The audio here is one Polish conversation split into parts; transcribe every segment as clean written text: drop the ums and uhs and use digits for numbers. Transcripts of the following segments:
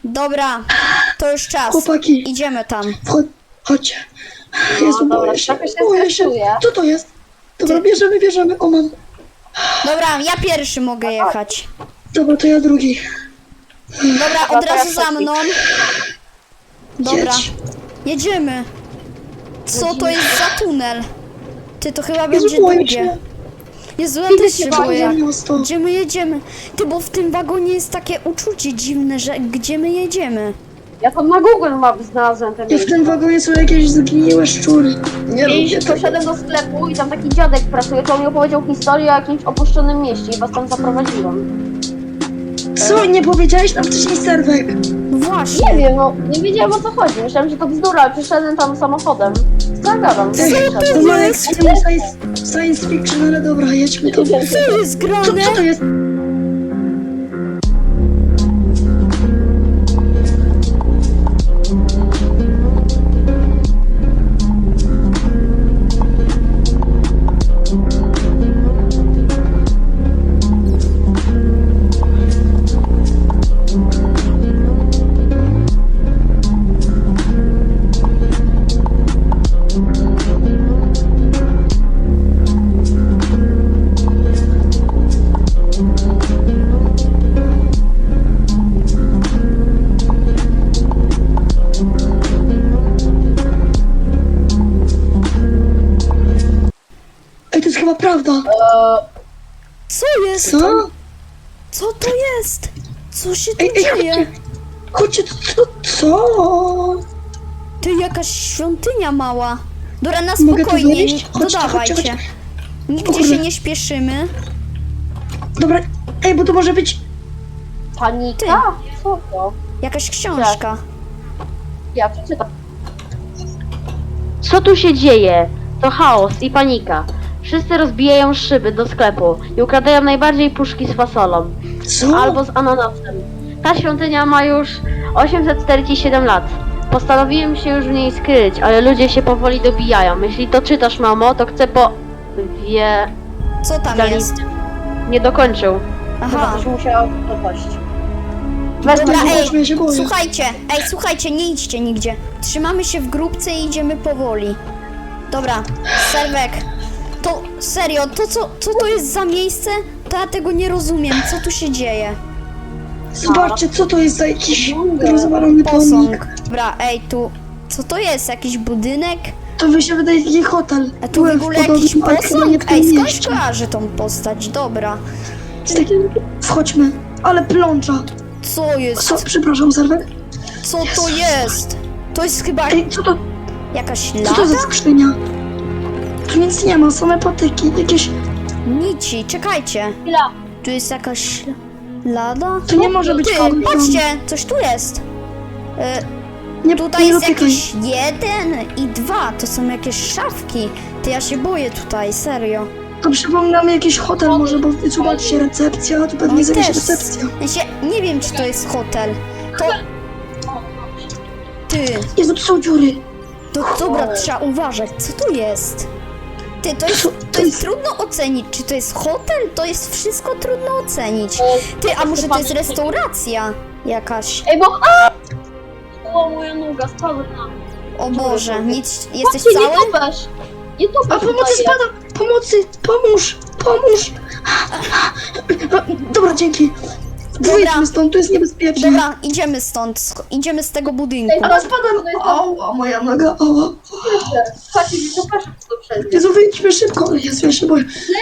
Dobra, to już czas. Chłopaki. Idziemy tam. Chodźcie. No, Jezu, dobra, boję się. trochę się Boję się. stresuję. Co to jest? Dobra, bierzemy. O, mam. Dobra, ja pierwszy mogę jechać. Dobra, to ja drugi. Dobra, od razu za mną. Dobra, Jedź. jedziemy. Co to jest za tunel? Ty, to chyba Jezu, będzie boję długie. się. Jezu, ja Idę też się się boję. boję. Miasto. Gdzie my jedziemy? Ty, bo w tym wagonie jest takie uczucie dziwne, że gdzie my jedziemy? Ja tam na Google Maps znalazłem ten I w tym wagonie są jakieś zgniłe szczury. Nie I lubię tego. poszedłem do sklepu i tam taki dziadek pracuje, to on mi opowiedział historię o jakimś opuszczonym mieście i was tam zaprowadziłem. Co? Nie powiedziałeś nam wcześniej, Serwek? No właśnie. Nie wiem, no nie wiedziałem o co chodzi. Myślałem, że to bzdura, ale przyszedłem tam samochodem. Zagadam. To ma jak z filmu science fiction, ale dobra, jedźmy to. Co jest grane? Co to jest? Ej, to jest chyba prawda. Co jest? Co? Co to jest? Co się tu Ej, dzieje? chodźcie, co? Ty, jakaś świątynia mała. Dobra, na Mogę tu spokojnie, wejść? to Chodźcie, dawajcie. chodźcie. Nigdzie Kurde. się nie śpieszymy. Dobra, ej, bo to może być... Panika? Co to? Jakaś książka. Ja przeczytam. Co tu się dzieje? To chaos i panika. Wszyscy rozbijają szyby do sklepu i ukradają najbardziej puszki z fasolą. Co? Albo z ananasem. Ta świątynia ma już 847 lat. Postanowiłem się już w niej skryć, ale ludzie się powoli dobijają. Jeśli to czytasz, mamo, to chcę wie... Co tam Dali- jest? Nie dokończył. Chyba Aha. coś musiało dopaść. Dobra, Zobaczmy, ja się boję. słuchajcie, nie idźcie nigdzie. Trzymamy się w grupce i idziemy powoli. Dobra, Serwek, to serio, co to jest za miejsce? To ja tego nie rozumiem, co tu się dzieje? Zobaczcie, co to jest za jakiś rozwalony pomnik. Posąg. Dobra, tu, co to jest? Jakiś budynek? To mi się wydaje taki hotel. A tu w Byłem ogóle podobnym, jakiś ale chyba nie w posąg? tym Skąd mieście. kojarzę tą postać? Dobra. Wchodźmy, ale plącza. Co jest? Co? Przepraszam, Serwek. Co to jest? To jest chyba Ej, co to jakaś za lada? skrzynia? Tu nic nie ma, same patyki, jakieś... Nici, czekajcie. Chwila. Tu jest jakaś lada? To nie może być Ty, kogoś tam. patrzcie, coś tu jest. Nie, Tutaj nie jest dotykaj. jakiś 1 i 2, to są jakieś szafki. Ty, ja się boję tutaj, serio. To przypomina mi jakiś hotel może, bo zobaczcie, recepcja, tu pewnie jest jakaś recepcja. Ja się, nie wiem, czy to jest hotel. To... Ty, Jezu, tu są dziury. to dobra, trzeba uważać, co tu jest? Ty, to jest trudno ocenić, czy to jest hotel? To jest wszystko trudno ocenić. Ty, a może to jest restauracja jakaś? Ej, bo... O, moja noga spadła na... O Boże, nic, jesteś Patrzcie, cały? nie tupesz! Nie tupesz! A pomocy spada! Pomocy! Pomóż! Dobra, dzięki. Wyjdźmy stąd, tu jest niebezpiecznie. Dobra, idziemy stąd, idziemy z tego budynku. Ale spadam! Ała, moja noga, ała. Patrzcie, nie tupesz, to przez nie. Jezu, wyjdźmy szybko. Jezu, ja się boję.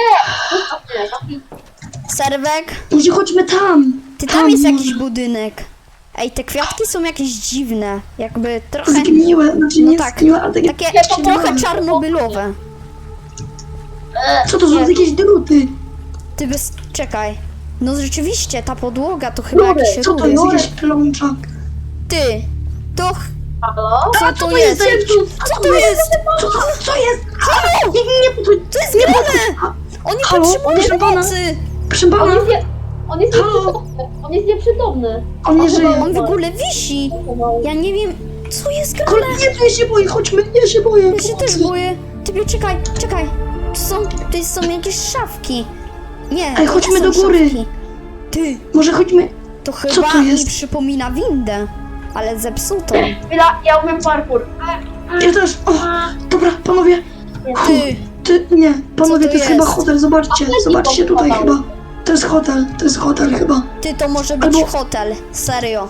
Serwek, Może chodźmy tam. tam jest może. jakiś budynek. Ej, te kwiatki są jakieś dziwne, jakby trochę, Zgniłe, znaczy no nie tak, zgniłe, ale takie... takie trochę czarnobylowe. Co to są jakieś druty? Ty czekaj. No rzeczywiście, ta podłoga to chyba jakieś Co to rury. jest? Jakaś plącza. Ty, to... Halo? Co to jest? Co to jest? Co jest? Halo! Nie, To jest grane! Oni Halo? potrzebują Proszę pana? pomocy! proszę pana, On jest Halo? nieprzytomny. On jest nieprzytomny. on nie żyje. On w ogóle wisi. Ja nie wiem, co jest grane. Nie, tu ja się boję, chodźmy, ja się boję. Ja się też boję. Ty, czekaj. Tu są jakieś szafki. Nie, Ej, to chodźmy nie są do góry. szafki. Ty, Może chodźmy... To chyba to mi jest? przypomina windę, ale zepsutą. Chwila, ja umiem parkour. Ja też. O, dobra, panowie. Ty, Nie, panowie, to to jest chyba jest? hotel, zobaczcie. Zobaczcie tutaj chyba. To jest hotel chyba. ty, to może być Albo- hotel, serio.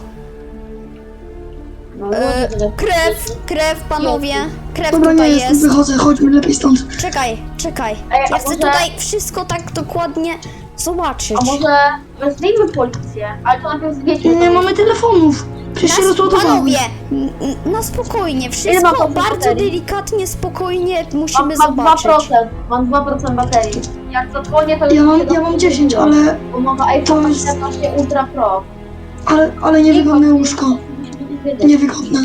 No, Krew, panowie, krew Dobra, nie tutaj jest, jest. wychodzę, chodźmy lepiej stąd. Czekaj. Ej, Ja a chcę może- tutaj wszystko tak dokładnie zobaczyć. A może wezwijmy policję, ale to najpierw zwiedźmy. Nie mamy telefonów. Przecież się rozładowały. Panowie, na spokojnie, Ile ma wszystko procent bardzo baterii? delikatnie, spokojnie musimy Mam zobaczyć. 2%, mam 2% baterii. Jak zadzwonię, to już Ja mam 10, ale Umowa to iPhone jest- 14 Ultra Pro. ale niewygodne łóżko. Niewygodne.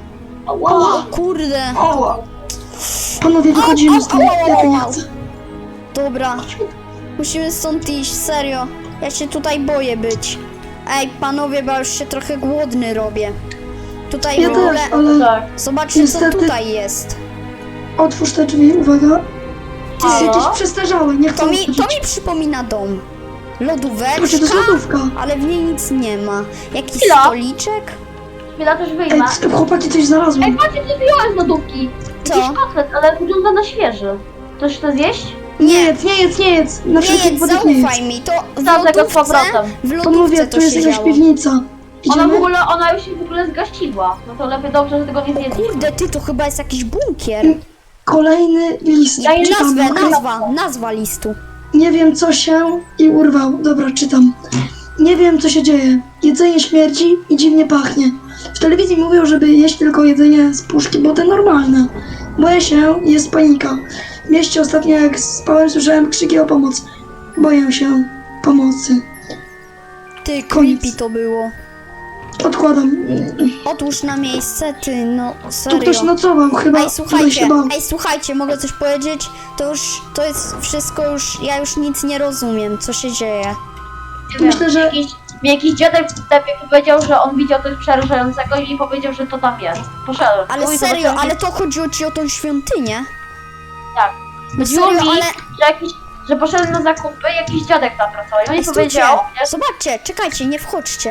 O kurde. Ała. Panowie, wychodzimy stąd. Ja tu nie chcę. Dobra, musimy stąd iść, serio. Ja się tutaj boję być. Ej, panowie, bo ja już się trochę głodny robię. Tutaj Ja w ogóle... też, ale Tak. Zobaczcie, niestety- co tutaj jest. otwórz te drzwi, uwaga. To jest Halo? jakieś przestarzałe, nie chcę To mi otworzyć. przypomina dom. Patrzcie, to jest Lodóweczka, lodówka. ale w niej nic nie ma. Jakiś Chwila. stoliczek? Chwila, też Ej, wyjmę. chłopaki, coś Ej, znalazłem. patrzcie, co wyjąłem z lodówki. Co? Jakiś kotlet, ale wygląda na świeży. Ktoś chce zjeść? Nie jedz, nie jedz, nie jedz. Na Nie wszelki jedz, wypadek nie jedz. zaufaj mi, to w Wsadzę go z lodówce, powrotem. w lodówce Panowie, to tu jest się jakaś działo. piwnica. Idziemy? Ona już się w ogóle zgasiła. No to lepiej dobrze, że tego nie zjedli. Kurde, ty, to chyba jest jakiś bunkier. Kolejny list. Ja Czytam, okej? Nazwa listu. Nie wiem co się i urwał. Dobra, czytam. Nie wiem co się dzieje. Jedzenie śmierdzi i dziwnie pachnie. W telewizji mówią, żeby jeść tylko jedzenie z puszki, bo to normalne. Boję się, jest panika. W mieście ostatnio jak spałem słyszałem krzyki o pomoc. Boję się pomocy. Ty, Koniec. creepy to było. Odkładam. Otwórz na miejsce, ty, no Tu serio. ktoś nocował, chyba Ej, tutaj się bał. słuchajcie, mogę coś powiedzieć? To jest wszystko już, ja już nic nie rozumiem, co się dzieje. Nie Myślę, wiem, że- jakiś dziadek w sklepie powiedział, że on widział coś przerażającego i mi powiedział, że to tam jest. Poszedłem. Ale Mój serio, zobaczyłem, ale to chodziło ci o tą świątynię? Tak. No Chodziło serio, mi, ale... że poszedłem na zakupy, jakiś dziadek tam pracował i on Ej, mi stójcie, powiedział, zobaczcie, czekajcie, nie wchodźcie.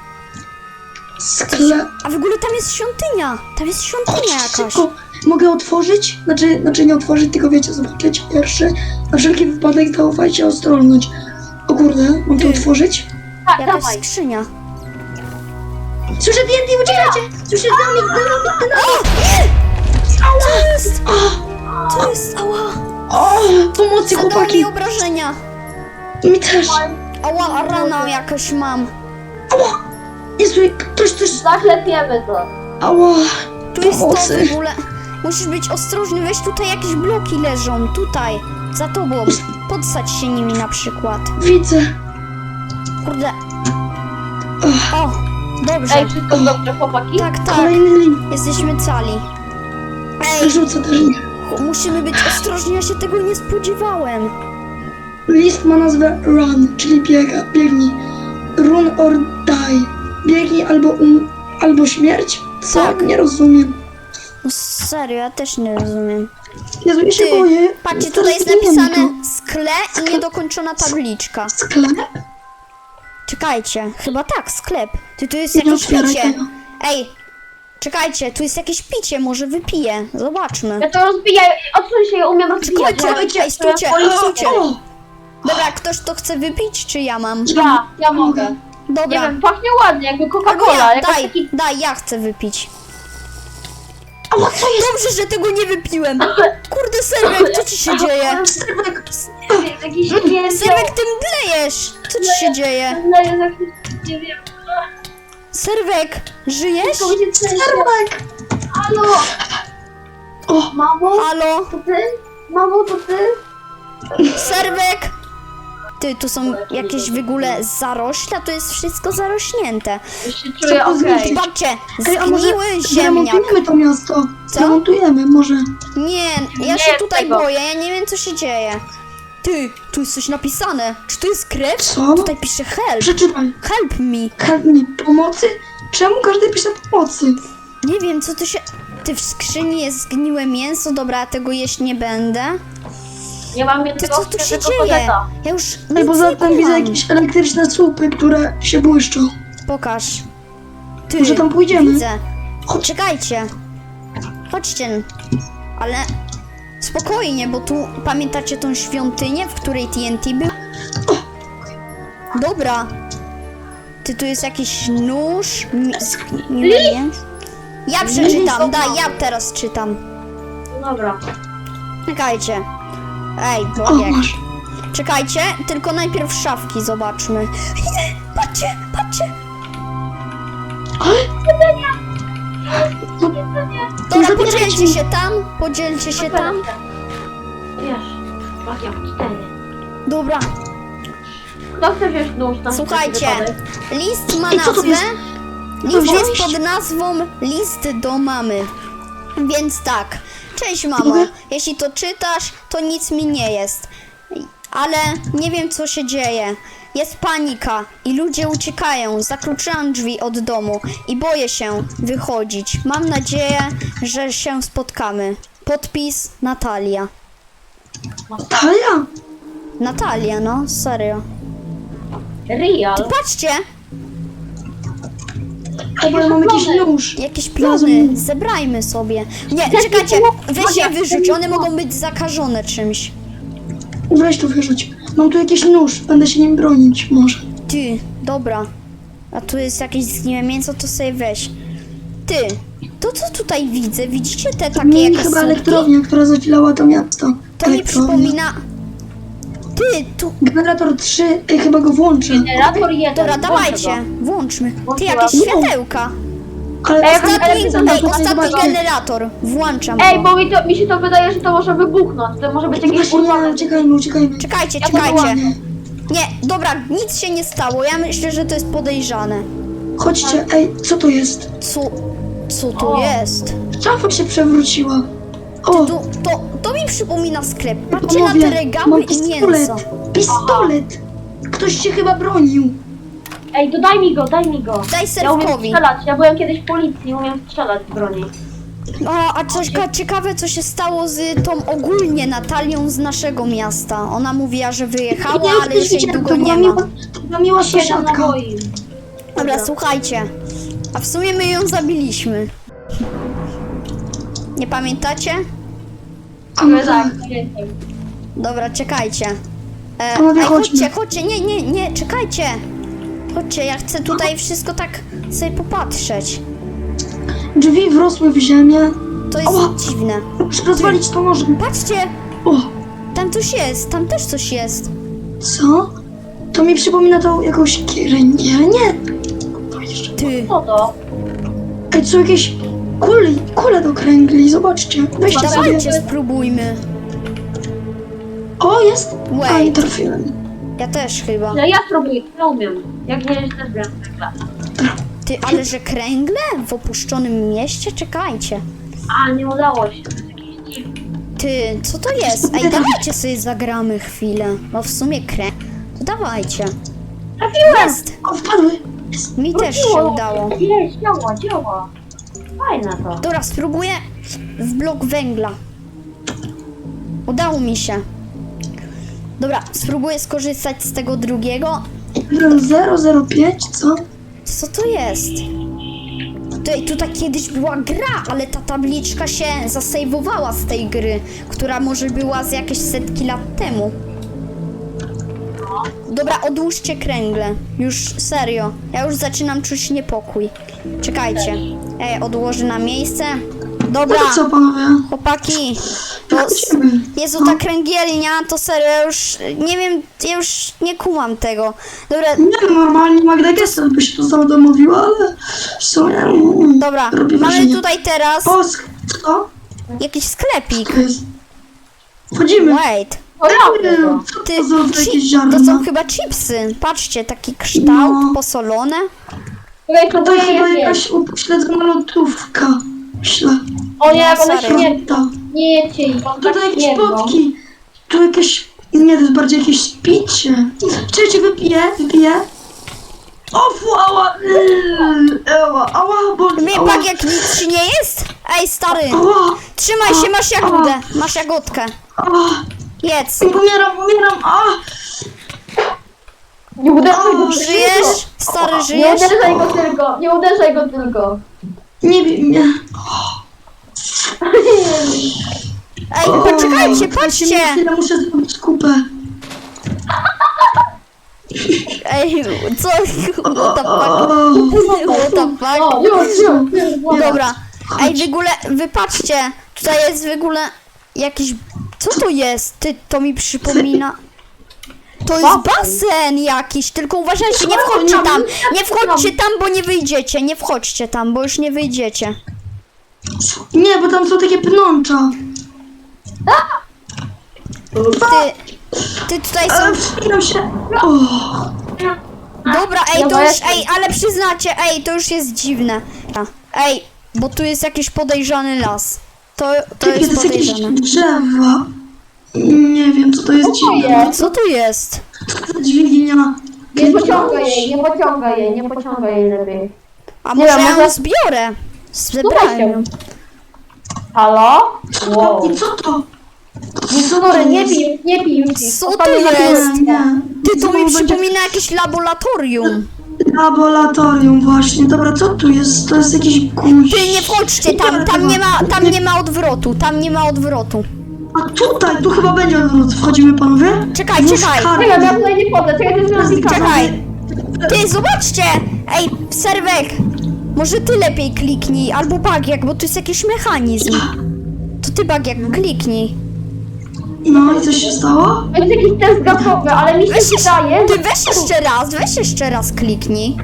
Sklep. A w ogóle tam jest świątynia, tam jest świątynia jakaś. Szybko. Mogę otworzyć? Znaczy nie otworzyć, tylko wiecie, zobaczyć pierwszy. Na wszelki wypadek zaufajcie, ostrożność. O kurde, mam to Ty. otworzyć? tak, Jakaś dawaj. skrzynia. Słyszę więcej, uciekajcie! Słyszę dynamit! Co jest? Co jest? Ała! O, pomocy Zadał chłopaki! mi obrażenia. Mi też! Ała, rana jakaś mam. Ała! Jezu, ktoś coś... Zaklepiemy to. Ała! Tu jest to Pomocy. w ogóle. Musisz być ostrożny, weź tutaj jakieś bloki leżą, tutaj, za tobą. Podsadź się nimi na przykład. Widzę! Kurde. O, dobrze. Ej, wszystko dobrze, chłopaki? Tak, tak, Kolejny link. jesteśmy cali. Ej, Rzucę też link. musimy być ostrożni, ja się tego nie spodziewałem. List ma nazwę Run, czyli biegnij. Run or die. Biegnij albo śmierć? Co? Tak. Nie rozumiem. No serio, ja też nie rozumiem. Jezu, ja się Ty, boję. patrzcie, Teraz tutaj jest zginiemy napisane tu. skle i niedokończona tabliczka. Sklep? Czekajcie, chyba tak, sklep. Ty, tu jest Nie jakieś otwieraj picie. tego. Ej, czekajcie, tu jest jakieś picie, może wypiję. Zobaczmy. Ja to rozbijaj, odsuń się, ja umiem rozbijać. Stójcie, ej, stójcie, stójcie. O! Dobra, ktoś to chce wypić, czy ja mam? Ja mogę. Nie Dobra, wiem, pachnie ładnie, jakby albo Coca-Cola. ja, Jakoś daj, taki... daj, ja chcę wypić. Ała, co jest? Dobrze, że tego nie wypiłem. Kurde, Serwek, co ci się dzieje? Serwek! Jakiś nie Serwek, ty mdlejesz. Co ci się dzieje? Nie wiem. Serwek, żyjesz? Wszystko mi się trzęsie. Serwek! Halo, O! mamo, Halo, to ty? Mamo, to ty? Serwek? Ty, tu są jakieś w ogóle zarośla, tu jest wszystko zarośnięte. Już się czuję to okej. zmienić? Patrzcie, Ej, a może zgniły ziemniak. zremontujemy to miasto? Co? Zremontujemy, może. Nie, ja Nie się jest tutaj tego. boję, ja nie wiem co się dzieje. Ty, tu jest coś napisane. Czy to jest krew? Co? Tutaj pisze help. Przeczytaj. Help me. Chętnie pomocy? Czemu każdy pisze pomocy? Nie wiem, co to się... Ty, w skrzyni jest zgniłe mięso, dobra, ja tego jeść nie będę. Nie mam Ty, jednego co tu się świeżego dzieje? kotleta. Ja już Ej, nic poza nie tym widzę kumam. jakieś elektryczne słupy, które się błyszczą. Pokaż. Ty, Może tam pójdziemy? Widzę. Chodź. Czekajcie. Chodźcie. Ale spokojnie, bo tu pamiętacie tą świątynię, w której TNT był? Dobra. Ty, tu jest jakiś nóż. Nie. Ja przeczytam, daj, ja teraz czytam. No dobra. Czekajcie. Ej, O, Bogiek. masz. Czekajcie, tylko najpierw szafki zobaczmy. Nie, patrzcie, patrzcie. No, Dobra, zabierajcie podzielcie mi. się tam, podzielcie się tam. Wiesz, magia czytanie. Dobra, Kto chce wziąć nóż na słuchajcie, wszelki wypadek? list ma Ej, co to nazwę, jest? list jest wziąłeś? pod nazwą List do mamy. Więc tak, cześć mamo, Mogę? jeśli to czytasz, to nic mi nie jest. Ale nie wiem co się dzieje. Jest panika i ludzie uciekają. Zakluczyłam drzwi od domu i boję się wychodzić. Mam nadzieję, że się spotkamy. Podpis Natalia. Talia? Natalia, no, serio. Real? Patrzcie, Chyba mam jakiś nóż. jakieś plony, Znalazłem. zebrajmy sobie. Nie, czekajcie, weź je wyrzuć, one mogą być zakażone czymś. Weź tu wyrzuć. Mam tu jakiś nóż, będę się nim bronić może. Ty, dobra. A tu jest jakieś zgniłe mięso, to sobie weź. Ty, to co tutaj widzę, widzicie te takie Mieli jakieś chyba słupki? elektrownia, która zasilała to miasto. To mi Elektrownia. przypomina... Ty, tu... Generator 3, chyba go włączę. Generator 1. Dobra, dawajcie, włączmy. Ty, jakieś Włączyłam. światełka. Ale Ej, Ostatni zobaczcie. generator. Włączam Ej, go. bo mi się to wydaje, że to może wybuchnąć. To może być jakieś Właśnie nie, urwane. uciekajmy. Czekajcie, Ja czekajcie. podłamie. Nie, dobra, nic się nie stało. Ja myślę, że to jest podejrzane. Chodźcie, ej, co to jest? Co tu O. jest? Szafa się przewróciła. O, To mi przypomina sklep. Patrzcie na te panowie, regały mam i pistolet. mięso. Pistolet! Ktoś się chyba bronił. Ej, to daj mi go, daj mi go. Daj Ja umiem serwkowi. strzelać, ja byłem kiedyś w policji, umiem strzelać z broni. A coś ciekawe, co się stało z tą ogólnie Natalią z naszego miasta. Ona mówiła, że wyjechała, Ja ale już jej widziałem, długo to była nie ma. To była miła 7 sąsiadka. naboi. Dobra, słuchajcie. A w sumie my ją zabiliśmy. Nie pamiętacie? A no Tak, tak. pamiętam. Dobra, czekajcie. Panowie, Chodźcie, chodźmy. chodźcie, nie, czekajcie. Chodźcie, ja chcę tutaj wszystko tak sobie popatrzeć. Drzwi wrosły w ziemię. To jest Ała. dziwne. Muszę rozwalić to nożem. Patrzcie, O, tam coś jest, tam też coś jest. co? To mi przypomina to jakąś kirę. Nie. To jeszcze. Ty, Co to? Ej, co jakieś kule do kręgli, zobaczcie. Weźcie sobie. dawajcie, spróbujmy. O, jest. A, Wait. nie trafiłem. Ja też chyba. Ja spróbuję, ja umiem. Jak nie jest też wiem, zwykle. Ty, ale że kręgle w opuszczonym mieście? Czekajcie. A, nie udało się. To jest jakiś dziwny. Ty, co to jest? Ej, dawajcie sobie zagramy chwilę. No w sumie to dawajcie. Trafiłem! Jest! O, wpadły. Jest. Mi też się udało. Jest, działa. Fajne to. Dobra, spróbuję w blok węgla. Udało mi się. Dobra, spróbuję skorzystać z tego drugiego. 005, co? Co to jest? Tutaj kiedyś była gra, ale ta tabliczka się zasejwowała z tej gry, która może była z jakieś setki lat temu. Dobra, odłóżcie kręgle. Już serio. Ja już zaczynam czuć niepokój. Czekajcie. Odłożę na miejsce. Dobra, No co, panowie? chłopaki. To Wychodzimy. Jezu, ta kręgielnia, to serio, ja już nie wiem, ja już nie kumam tego. Dobra, Nie, normalnie Magda Gessler by się to zadomowiła, ale w sumie... dobra, robi mamy wrażenie. tutaj teraz Co? jakiś sklepik. To jest... Wchodzimy. Wait. O, ja Nie, to. co Ty, to za jakieś to ziarna? są chyba chipsy. Patrzcie, taki kształt, No. posolone. Tutaj To próbuję chyba je jakaś upośledzona lotówka. Myślę. O nie, jak No, one serio. śmierdzą. To. Nie jedźcie ich, on tak Tutaj jakieś śmierdzą. potki. Tu jakieś... Nie, to jest bardziej jakieś picie. Czekajcie, wypiję. O, ała! Ała, boli. Mnie Ała, pak jak nic ci nie jest? Ej, stary, ała, trzymaj się, masz jagódę, masz jagódkę. ała. Jedz. Umieram, a! Nie uderzaj go Żyjesz? Stary, Nie żyjesz? uderzaj go tylko. Nie bij mnie. Ej, poczekajcie, patrzcie! Chwilę muszę zrobić kupę. Ej, co? What the fuck? What the fuck? O, już. Dobra. Ej, w ogóle, wy patrzcie. Tutaj jest w ogóle jakiś... Co to jest? Ty, to mi przypomina... To jest basen jakiś, tylko uważajcie, nie wchodźcie tam. Nie wchodźcie tam, bo nie wyjdziecie. Nie wchodźcie tam, bo już nie wyjdziecie. Nie, bo tam są takie pnącza. Ty tutaj Ale są... wspinam się. O, Dobra, ej, to już... Ej, ale przyznacie, ej, to już jest dziwne. Ej, bo tu jest jakiś podejrzany las. To to jest jest jakieś podejrzane. drzewa. Nie wiem, co to jest dziwne. Co tu jest? Co to dźwignia? Nie pociągaj jej lepiej. A Nie może wiem, ja ją może- zbiorę? Słuchaj Zebrałem. się. Halo? Wow. I co to? Sorry, nie pij już. Co to jest? Nie. Ty, to mi Znowu będzie przypomina jakieś laboratorium. laboratorium właśnie. Dobra, co tu jest? To jest jakiś guzik. Ty, nie wchodźcie tam, tam nie ma odwrotu, tam nie ma odwrotu. A tutaj, tu chyba będzie odwrót. Wchodzimy, panowie? Czekaj, Wóz czekaj. karty. Ja tutaj nie wchodzę, czekaj, to jest nazwiska. Czekaj. Ty, zobaczcie! Ej, Serwek, może ty lepiej kliknij, albo Bagiak, bo tu jest jakiś mechanizm. To ty, Bagiak, kliknij. No i co się stało? To jest jakiś test gazowy, ale mi się wydaje, Ty, weź jeszcze raz kliknij.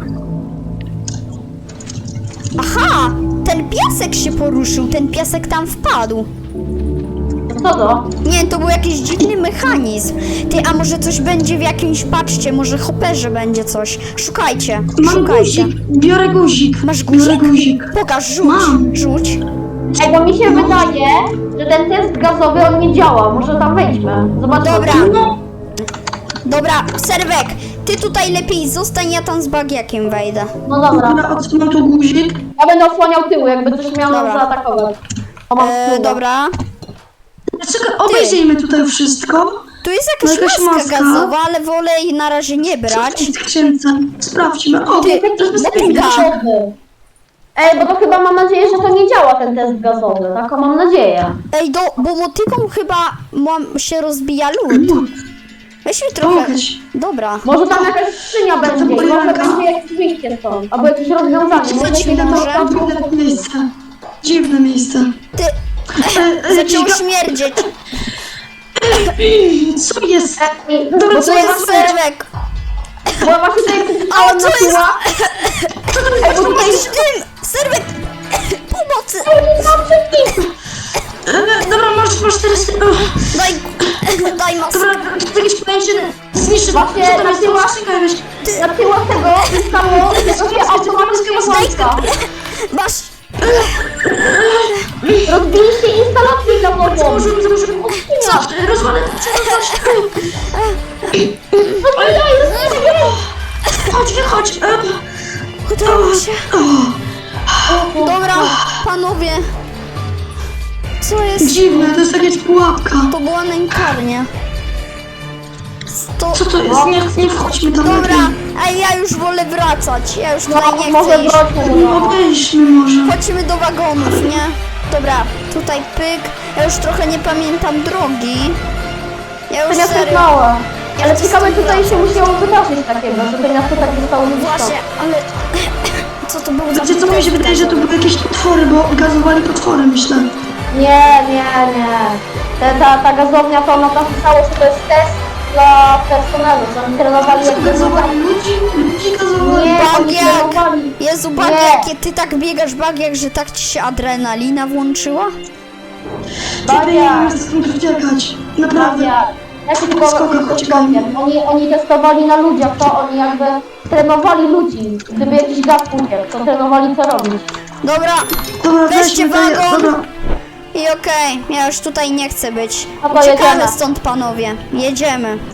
Aha, ten piasek się poruszył, ten piasek tam wpadł. Co to? Nie, to był jakiś dziwny mechanizm. Ty, a może coś będzie w jakimś, patrzcie, może hopperze będzie coś. Szukajcie, Mam szukajcie. guzik. Biorę guzik. Masz Biorę guzik? guzik. Pokaż, rzuć, Mam. rzuć. Ej, bo mi się wydaje, że ten test gazowy on nie działa. Może tam wejdźmy. Zobaczmy. Dobra. No, Dobra, Serwek, ty tutaj lepiej zostań, ja tam z Bagiakiem wejdę. No dobra. dobra, odsunę tu guzik. Ja będę osłaniał tył, jakby coś miał nas Dobra. zaatakować. O, mam tył. Dobra. Czekaj, obejrzyjmy tutaj wszystko. Tu jest No jakaś jakaś maska maska. gazowa, ale wolę jej na razie nie brać. W skrzynce. Sprawdźmy. O, Ty, to jest motyka. Gazowy. Ej, bo to chyba mam nadzieję, że to nie działa ten test gazowy. Taką mam nadzieję. Ej, bo motyką chyba się rozbija lód. Weźmy trochę. Pokaż. Dobra. Może tam jakaś skrzynia będzie, i może będzie jakieś wyjście stąd. Albo jakieś rozwiązanie. Może Być jakieś może. Dziwne miejsce. Dziwne miejsce. Ty, zaczęło Giga- śmierdzieć. Co jest? Ej, Dobra, bo co to jest jest Serwek. Bo ja właśnie tutaj A przeczytałam co na jest? tyła. Ej, bo tutaj Masz tym! Serwek! Pomocy! Dobra, masz teraz... Daj maskę. Dobra, jakieś pojęcie zniszczy. Właśnie Co tam na jest? tyłach- Skrzynka jakaś. na tyłach tego zostało takie automatyczne włączka. Masz! Rozbiliście instalację gazową. Założyłem. Co? Rozwalę. Chodź, wychodź. Udało się. Dobra, panowie. Co jest? Dziwne, to jest jakaś pułapka. To była nękarnia. Co to jest? Nie wchodźmy tam Dobra, lepiej. ej, ja już wolę wracać. Ja już tutaj nie Może chcę iść. wróćmy do domu. Odejdźmy może. Chodźmy do wagonów, nie? Dobra, tutaj pyk. Ja już trochę nie pamiętam drogi. Ja już To miasto jest serio... małe. Ja Ale to ciekawe jestem tutaj się musiało wydarzyć takiego, że to miasto tak zostało Właśnie, ale... Co to było za... Wiecie co, mi się wydaje, że to były jakieś potwory, bo gazowali potwory, myślę. Nie. Ta gazownia to ona tam pisało, że to jest test dla personelu, że oni trenowali jak Gazowali ludzi gazowali. Nie, oni Bagiak! trenowali. Jezu, Bagiak, ty tak biegasz, Bagiak, że tak ci się adrenalina włączyła? Ciebie nie wiem, skąd uciekać. Naprawdę. Ja się tylko Skoko, coś czekaj. powiem. Oni testowali na ludziach, to oni jakby trenowali ludzi. Gdyby jakiś gaz uciekł, to trenowali co robić. Dobra, Dobra, weźcie weźmy to. wagon. Dobra. i okej, ja już tutaj nie chcę być. No to Uciekamy jedziemy. stąd, panowie. Jedziemy.